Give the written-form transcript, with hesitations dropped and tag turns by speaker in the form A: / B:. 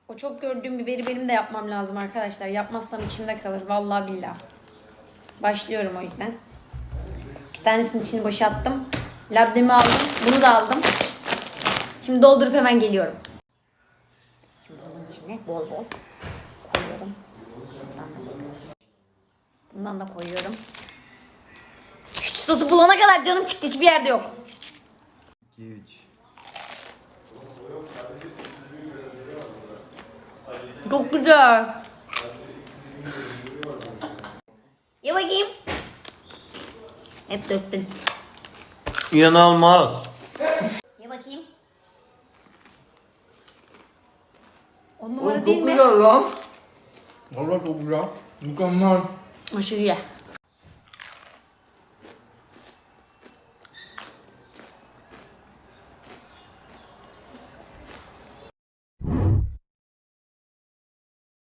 A: O çok gördüğüm biberi benim de yapmam lazım arkadaşlar. Yapmazsam içimde kalır. Vallahi billahi. Başlıyorum o yüzden. 2 tanesinin içini boşalttım. Labnemi aldım. Bunu da aldım. Şimdi doldurup hemen geliyorum. Şimdi bunun içine bol bol koyuyorum. Bundan da koyuyorum. Şu sosu bulana kadar canım çıktı. Hiçbir yerde yok.
B: 2-3.
A: Çok güzel. Ye bakayım. Hep döktün.
B: İnanılmaz.
A: Ye bakayım. 10 numara değil mi?
B: Güzel lan. Valla çok güzel. Mükemmel.
A: Aşırı ye.